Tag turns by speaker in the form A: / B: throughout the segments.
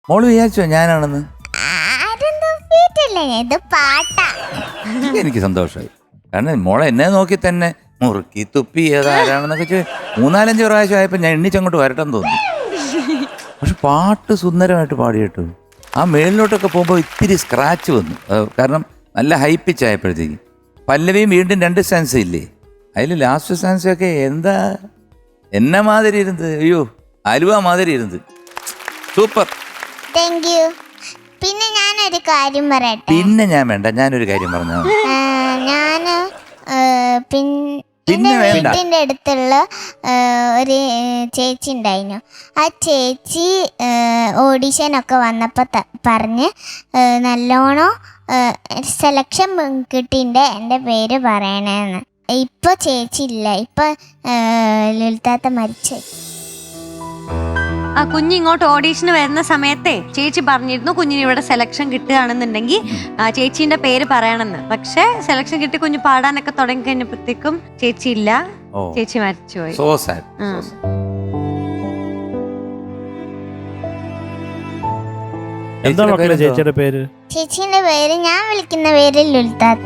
A: മോള് വിചാരിച്ചോ ഞാനാണെന്ന്? എനിക്ക് സന്തോഷമായി. കാരണം മോളെ എന്നെ നോക്കി തന്നെ മുറുക്കി തുപ്പി ഏതാരാണെന്നൊക്കെ 3-4 പ്രാവശ്യം ആയപ്പോൾ ഞാൻ എണ്ണിച്ചങ്ങോട്ട് വരട്ടെന്ന് തോന്നി. പക്ഷെ പാട്ട് സുന്ദരമായിട്ട് പാടി കേട്ടു. ആ മേളിലോട്ടൊക്കെ പോകുമ്പോൾ ഇത്തിരി സ്ക്രാച്ച് വന്നു. കാരണം നല്ല ഹൈ പിച്ച് ആയപ്പോഴത്തേക്ക്. പല്ലവിയും വീണ്ടും 2 സ്റ്റാൻസ് ഇല്ലേ, അതിൽ ലാസ്റ്റ് സ്റ്റാൻസൊക്കെ എന്താ എന്നെ മാതിരി ഇരുന്നത്, അയ്യോ അലുവ മാതിരി ഇരുന്നത്. സൂപ്പർ.
B: പിന്നെ ഞാനൊരു കാര്യം പറയട്ടെ.
A: പിന്നെ ഞാൻ വേണ്ട, ഞാനൊരു കാര്യം പറഞ്ഞു.
B: എന്റെ വീട്ടിന്റെ അടുത്തുള്ള ഒരു ചേച്ചി ഉണ്ടായിരുന്നു. ആ ചേച്ചി ഓഡിഷനൊക്കെ വന്നപ്പോൾ പറഞ്ഞ് നല്ലോണം സെലക്ഷൻ കിട്ടിൻ്റെ എൻ്റെ പേര് പറയണേന്ന്. ഇപ്പൊ ചേച്ചി ഇല്ല, ഇപ്പൊ ലളിതാത്ത മരിച്ചു.
C: ആ കുഞ്ഞ് ഇങ്ങോട്ട് ഓഡീഷന് വരുന്ന സമയത്തെ ചേച്ചി പറഞ്ഞിരുന്നു കുഞ്ഞിന് ഇവിടെ സെലക്ഷൻ കിട്ടുകയാണെന്നുണ്ടെങ്കിൽ ചേച്ചീന്റെ പേര് പറയണമെന്ന്. പക്ഷെ സെലക്ഷൻ കിട്ടി കുഞ്ഞ് പാടാനൊക്കെ തുടങ്ങി കഴിഞ്ഞപ്പോഴത്തേക്കും ചേച്ചി ഇല്ല, ചേച്ചി മരിച്ചുപോയി.
D: എന്താ മക്കളെ ചേച്ചിയുടെ പേര്?
B: ചേച്ചീന്റെ പേര് ഞാൻ വിളിക്കുന്ന പേര് ലളിതാത്ത.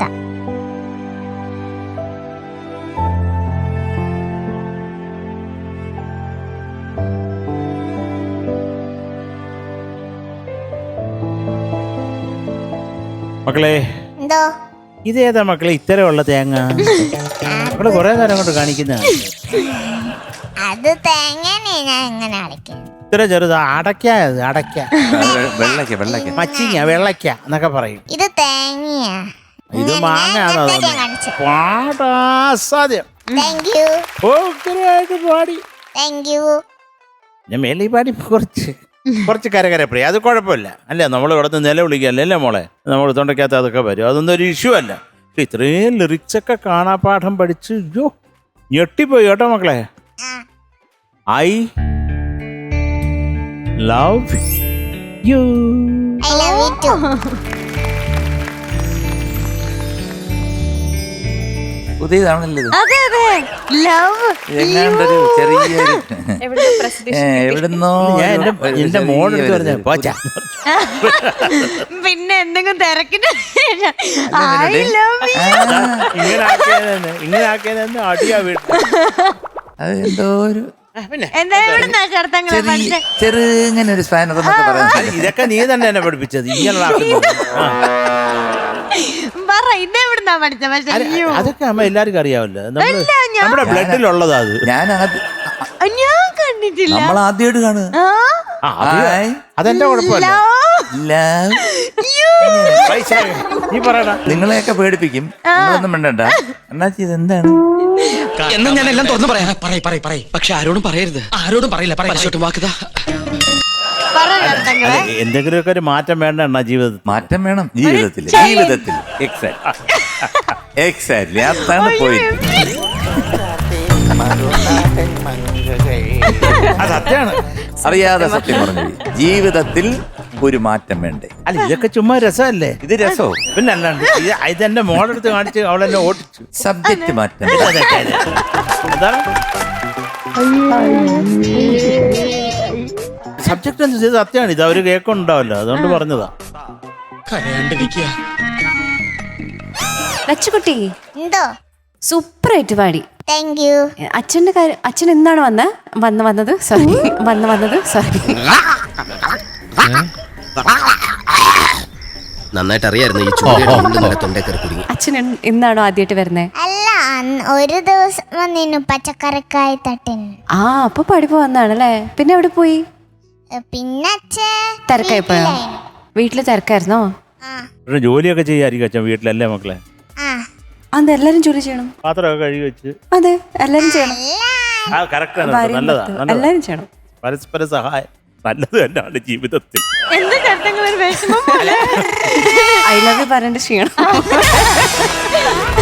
D: മക്കളെ
B: എന്തോ
D: ഇതേതാ മക്കളെ ഇത്തരമുള്ള തേങ്ങ? ഇവിടെ കൊറേ നേരം കൊണ്ട് കാണിക്കുന്ന
B: അത് തേങ്ങനെ ഞാൻ എങ്ങനെ അടയ്ക്കാം?
D: ഇത്ര ചെറുതാ. അടയ്ക്ക
A: വെള്ളക്ക
D: മച്ചിങ്ങ വെള്ളക്ക എന്നൊക്കെ പറയും.
B: ഇത് തേങ്ങയാ.
D: ഇത് മാങ്ങയാണോ? പാടാസാദ്യം പാടി ഞാൻ മേലി പാടി കുറച്ച് കരകരപ്പടി. അത് കുഴപ്പമില്ല അല്ലേ, നമ്മൾ ഇവിടുത്തെ നില വിളിക്കല്ലേ അല്ലേ മോളെ, നമ്മൾ തൊണ്ടയ്ക്കകത്ത് അതൊക്കെ വരും, അതൊന്നും ഒരു ഇഷ്യൂ അല്ല. പക്ഷെ ഇത്രയും ലിറിക്സൊക്കെ കാണാപ്പാഠം പഠിച്ച് അയ്യോ ഞെട്ടിപ്പോയി കേട്ടോ മക്കളെ. I love you.
A: പുതിയതാണല്ലോ ഇത്.
C: അതെ അതെ ലവ്
A: എങ്ങാണ്ടൊരു ചെറിയൊരു എവിടുന്നോ
D: എന്റെ മോളെടുത്ത് പറഞ്ഞ പോച്ച.
C: പിന്നെ എന്തെങ്കിലും തിരക്കിട്ട്
D: ഇങ്ങനെ ആക്കിയതെന്ന് അടിയാ വീട്ടിൽ.
A: അത് എന്തോ ഒരു
C: ചെറുങ്ങനെ
A: ഒരു സ്പാനർ എന്നൊക്കെ പറയാൻ.
D: ഇതൊക്കെ നീ തന്നെ എന്നെ പഠിപ്പിച്ചത് ഇങ്ങനെയുള്ള. അതൊക്കെ അമ്മ എല്ലാവർക്കും അറിയാമല്ലോ, നമ്മുടെ ബ്ലഡിലുള്ളതാ അത്.
A: ഞാൻ
C: കണ്ടിട്ടില്ല,
A: നമ്മൾ ആദ്യമായിട്ട് കാണുക.
D: അതെന്റെ കുഴപ്പമില്ല. നീ പറയടാ.
A: നിങ്ങളെയൊക്കെ പേടിപ്പിക്കും, നിങ്ങളൊന്നും വേണ്ട. അണ്ണാച്ചി ഇതെന്താണ്?
E: എന്നാ ഞാൻ എല്ലാം തുറന്നു പറയാം. പക്ഷെ ആരോടും പറയരുത്, ആരോടും പറയില്ല. വാക്കുതാ
D: എന്തെങ്കിലുമൊക്കെ ഒരു മാറ്റം വേണ്ട അണ്ണാ ജീവിതത്തിൽ.
A: മാറ്റം വേണം ജീവിതത്തിൽ. എക്സാക്ട്ലി അതാണ് പോയിട്ട്.
D: സത്യമാണ്,
A: അറിയാതെ സത്യം പറഞ്ഞു. ജീവിതത്തിൽ ഒരു മാറ്റം വേണ്ടേ?
D: അല്ല ഇതൊക്കെ ചുമ്മാ രസമല്ലേ?
A: ഇത് രസോ
D: പിന്നെ അല്ലാണ്ട് ഇതെന്റെ മോളെടുത്ത് കാണിച്ച് അവളെന്നെ ഓടിച്ചു.
A: സബ്ജക്റ്റ് മാറ്റം.
D: എന്താണ് സബ്ജക്ട് എന്ന് ചെയ്ത് സത്യമാണ്. ഇത് അവര് കേൾക്കുന്നുണ്ടാവല്ലോ, അതുകൊണ്ട് പറഞ്ഞതാ.
F: ലച്ചുകുട്ടി
B: എന്തോ
F: സൂപ്പറായിട്ട് പാടി.
B: Thank you.
F: അച്ഛന്റെ കാര്യം, അച്ഛൻ എന്താണ് വന്നത് സോറി.
E: നന്നായിട്ട് അറിയായിരുന്നു ഈ ചൂട്.
F: അച്ഛൻ എന്നാണോ ആദ്യമായിട്ട് വരുന്നേ?
B: അല്ല, ഒരു ദിവസം വന്നിരുന്നു പച്ചക്കറിക്കായി തട്ടിന്.
F: ആ അപ്പൊ പഠിപ്പ് വന്നാണല്ലേ. പിന്നെ എവിടെ പോയി?
B: പിന്നെ
F: തിരക്കായിപ്പോയോ? വീട്ടില് തിരക്കായിരുന്നോ?
D: ജോലിയൊക്കെ ചെയ്യായിരിക്കും അച്ഛൻ വീട്ടിലല്ലേ മക്കളെ?
F: അത് എല്ലാരും ജോലി ചെയ്യണം,
D: പാത്രമൊക്കെ കഴുകി വെച്ച്.
F: അതെ എല്ലാരും ചെയ്യണം.
D: എല്ലാരും ചെയ്യണം. പരസ്പര സഹായം നല്ലത് തന്നെയാണ് ജീവിതത്തിൽ.
F: ഐ ലവ് യു പറഞ്ഞിട്ട് ചെയ്യണം.